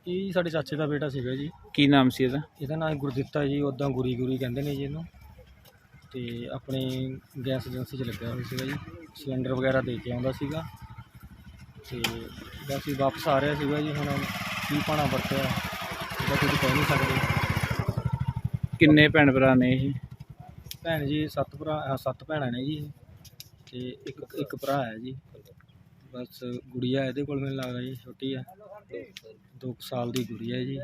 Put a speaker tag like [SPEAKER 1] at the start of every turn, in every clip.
[SPEAKER 1] ਇਹ ਜੀ ਸਾਡੇ ਚਾਚੇ ਦਾ ਬੇਟਾ ਸੀਗਾ ਜੀ।
[SPEAKER 2] ਕੀ ਨਾਮ ਸੀ ਇਹਦਾ?
[SPEAKER 1] ਇਹਦਾ ਨਾਮ ਗੁਰਦਿੱਤਾ ਜੀ, ਉੱਦਾਂ ਗੁਰੀ ਕਹਿੰਦੇ ਨੇ ਜੀ ਇਹਨੂੰ। ਤੇ ਆਪਣੀ ਗੈਸ ਏਜੰਸੀ 'ਚ ਲੱਗਿਆ ਹੋਇਆ ਸੀਗਾ ਜੀ, ਸਿਲੰਡਰ ਵਗੈਰਾ ਦੇ ਕੇ ਆਉਂਦਾ ਸੀਗਾ। ਤੇ ਬਸ ਵਾਪਸ ਆ ਰਿਹਾ ਸੀਗਾ ਜੀ। ਹੁਣ ਕੀ ਭਾਣਾ ਵਰਤਿਆ ਇਹਦਾ ਕੁਝ ਕਹਿ ਨਹੀਂ ਸਕਦੇ।
[SPEAKER 2] ਕਿੰਨੇ ਭੈਣ ਭਰਾ ਨੇ ਇਹ?
[SPEAKER 1] ਭੈਣ ਜੀ 7 ਭੈਣਾਂ ਨੇ ਜੀ, ਤੇ ਇੱਕ ਭਰਾ ਹੈ ਜੀ। ਬਸ ਗੁੜੀਆ ਇਹਦੇ ਕੋਲ ਮੈਨੂੰ ਲੱਗਦਾ ਜੀ, ਛੋਟੀ ਆ, 2 ਸਾਲ ਦੀ ਗੁੜੀਆ ਜੀ।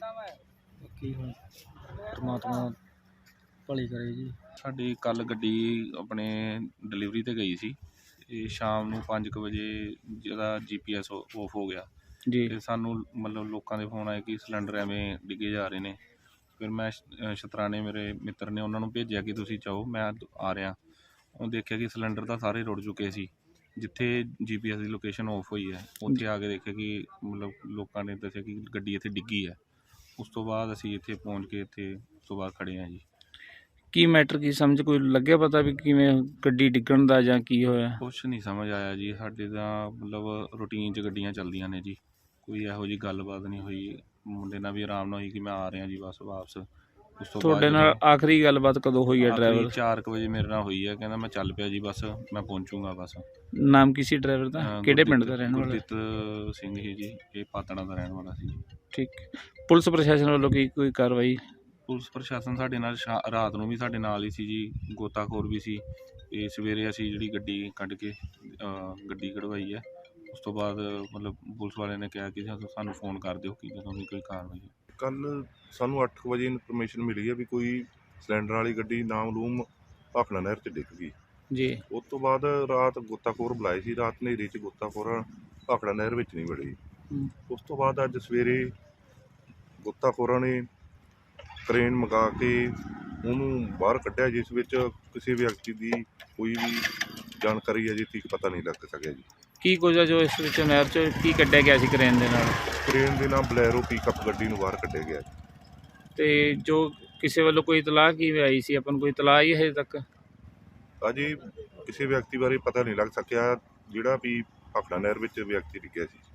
[SPEAKER 1] ਬਾਕੀ ਹੁਣ ਪਰਮਾਤਮਾ ਭਲੀ ਕਰੇ ਜੀ।
[SPEAKER 3] ਸਾਡੀ ਕੱਲ੍ਹ ਗੱਡੀ ਆਪਣੇ ਡਿਲੀਵਰੀ 'ਤੇ ਗਈ ਸੀ ਤੇ ਸ਼ਾਮ ਨੂੰ 5 ਵਜੇ ਜਿਹਦਾ GPS ਆਫ ਹੋ ਗਿਆ
[SPEAKER 2] ਜੀ।
[SPEAKER 3] ਤੇ ਸਾਨੂੰ ਮਤਲਬ ਲੋਕਾਂ ਦੇ ਫੋਨ ਆਏ ਕਿ ਸਿਲੰਡਰ ਐਵੇਂ ਡਿੱਗੇ ਜਾ ਰਹੇ ਨੇ। ਫਿਰ ਮੈਂ ਸ਼ਤਰਾਣੇ ਮੇਰੇ ਮਿੱਤਰ ਨੇ ਉਹਨਾਂ ਨੂੰ ਭੇਜਿਆ ਕਿ ਤੁਸੀਂ ਜਾਓ, ਮੈਂ ਆ ਰਿਹਾ। ਉਹ ਦੇਖਿਆ ਕਿ ਸਿਲੰਡਰ ਤਾਂ ਸਾਰੇ ਰੁੜ ਚੁੱਕੇ ਸੀ। ਜਿੱਥੇ GPS ਦੀ ਲੋਕੇਸ਼ਨ ਆਫ ਹੋਈ ਹੈ ਉੱਥੇ ਆ ਕੇ ਦੇਖਿਆ ਕਿ ਮਤਲਬ ਲੋਕਾਂ ਨੇ ਦੱਸਿਆ ਕਿ ਗੱਡੀ ਇੱਥੇ ਡਿੱਗੀ ਹੈ। ਉਸ ਤੋਂ ਬਾਅਦ ਅਸੀਂ ਇੱਥੇ ਪਹੁੰਚ ਕੇ ਇੱਥੇ ਉਸ ਤੋਂ ਬਾਅਦ ਖੜ੍ਹੇ ਹਾਂ ਜੀ।
[SPEAKER 2] ਕੀ ਮੈਟਰ ਕੀ ਸਮਝ ਕੋਈ ਲੱਗਿਆ ਪਤਾ ਵੀ ਕਿਵੇਂ ਗੱਡੀ ਡਿੱਗਣ ਦਾ ਜਾਂ ਕੀ ਹੋਇਆ?
[SPEAKER 3] ਕੁਛ ਨਹੀਂ ਸਮਝ ਆਇਆ ਜੀ। ਸਾਡੇ ਤਾਂ ਮਤਲਬ ਰੂਟੀਨ 'ਚ ਗੱਡੀਆਂ ਚੱਲਦੀਆਂ ਨੇ ਜੀ, ਕੋਈ ਇਹੋ ਜਿਹੀ ਗੱਲਬਾਤ ਨਹੀਂ ਹੋਈ। ਮੁੰਡੇ ਨਾਲ ਵੀ ਆਰਾਮ ਨਾਲ ਹੋਈ ਕਿ ਮੈਂ ਆ ਰਿਹਾ ਜੀ ਬਸ ਵਾਪਸ। ਉਸ ਤੋਂ
[SPEAKER 2] ਤੁਹਾਡੇ ਨਾਲ ਆਖਰੀ ਗੱਲਬਾਤ ਕਦੋਂ ਹੋਈ ਹੈ ਡਰਾਈਵਰ?
[SPEAKER 3] 4 ਵਜੇ ਮੇਰੇ ਨਾਲ ਹੋਈ ਹੈ। ਕਹਿੰਦਾ ਮੈਂ ਚੱਲ ਪਿਆ ਜੀ, ਬਸ ਮੈਂ ਪਹੁੰਚੂਗਾ ਬਸ।
[SPEAKER 2] ਨਾਮ ਕੀ ਸੀ ਡਰਾਈਵਰ ਦਾ? ਕਿਹੜੇ ਪਿੰਡ ਦਾ ਰਹਿਣ ਵਾਲਾ?
[SPEAKER 3] ਗੁਰਦੀਪ ਸਿੰਘ ਹੀ ਜੀ, ਇਹ ਪਾਤੜਾ ਦਾ ਰਹਿਣ ਵਾਲਾ ਸੀ।
[SPEAKER 2] ਠੀਕ। ਪੁਲਿਸ ਪ੍ਰਸ਼ਾਸਨ ਵੱਲੋਂ ਕੀ ਕੋਈ ਕਾਰਵਾਈ?
[SPEAKER 3] ਪੁਲਿਸ ਪ੍ਰਸ਼ਾਸਨ ਸਾਡੇ ਨਾਲ ਰਾਤ ਨੂੰ ਵੀ ਸਾਡੇ ਨਾਲ ਹੀ ਸੀ ਜੀ, ਗੋਤਾਖੋਰ ਵੀ ਸੀ। ਤੇ ਸਵੇਰੇ ਅਸੀਂ ਜਿਹੜੀ ਗੱਡੀ ਕੱਢ ਕੇ ਗੱਡੀ ਕਢਵਾਈ ਹੈ। ਉਸ ਤੋਂ ਬਾਅਦ ਮਤਲਬ ਪੁਲਿਸ ਵਾਲਿਆਂ ਨੇ ਕਿਹਾ ਕਿ ਸਾਨੂੰ ਫੋਨ ਕਰ ਦਿਓ ਕਿ ਜਦੋਂ ਵੀ ਕੋਈ ਕਾਰਵਾਈ।
[SPEAKER 4] ਕੱਲ੍ਹ ਸਾਨੂੰ 8 ਵਜੇ ਇਨਫੋਰਮੇਸ਼ਨ ਮਿਲੀ ਹੈ ਵੀ ਕੋਈ ਸਿਲੰਡਰ ਵਾਲੀ ਗੱਡੀ ਨਾਮਲੂਮ ਭਾਖੜਾ ਨਹਿਰ 'ਚ ਡਿੱਗ ਗਈ
[SPEAKER 2] ਜੀ।
[SPEAKER 4] ਉਸ ਤੋਂ ਬਾਅਦ ਰਾਤ ਗੋਤਾਖੋਰ ਬੁਲਾਏ ਸੀ। ਰਾਤ ਹਨੇਰੀ 'ਚ ਗੋਤਾਖੋਰ ਭਾਖੜਾ ਨਹਿਰ ਵਿੱਚ ਨਹੀਂ ਵੜੇ। ਉਸ ਤੋਂ ਬਾਅਦ ਅੱਜ ਸਵੇਰੇ ਗੋਤਾਖੋਰਾਂ ਨੇ ਕਰੇਨ ਮੰਗਾ ਕੇ ਉਹਨੂੰ ਬਾਹਰ ਕੱਢਿਆ, ਜਿਸ ਵਿੱਚ ਕਿਸੇ ਵਿਅਕਤੀ ਦੀ ਕੋਈ ਵੀ ਜਾਣਕਾਰੀ ਅਜੇ ਤੱਕ ਪਤਾ ਨਹੀਂ ਲੱਗ ਸਕਿਆ ਜੀ।
[SPEAKER 2] ਕੀ ਕੁਝ ਆ ਜੋ ਇਸ ਵਿੱਚ ਨਹਿਰ 'ਚ ਕੀ ਕੱਢਿਆ ਗਿਆ ਸੀ ਕਰੇਨ ਦੇ ਨਾਲ?
[SPEAKER 4] ਕਰੇਨ ਦੇ ਨਾਲ ਬਲੈਰੋ ਪਿਕਅਪ ਗੱਡੀ ਨੂੰ ਬਾਹਰ ਕੱਢਿਆ ਗਿਆ।
[SPEAKER 2] ਤੇ ਜੋ ਕਿਸੇ ਵੱਲੋਂ ਕੋਈ ਇਤਲਾਹ ਕੀ ਆਈ ਸੀ, ਆਪਾਂ ਨੂੰ ਕੋਈ ਇਤਲਾਹ ਹੀ ਹਜੇ ਤੱਕ?
[SPEAKER 4] ਅਜੇ ਕਿਸੇ ਵਿਅਕਤੀ ਬਾਰੇ ਪਤਾ ਨਹੀਂ ਲੱਗ ਸਕਿਆ ਜਿਹੜਾ ਵੀ ਭਾਖੜਾ ਨਹਿਰ ਵਿੱਚ ਵਿਅਕਤੀ ਡਿੱਗਿਆ ਸੀ।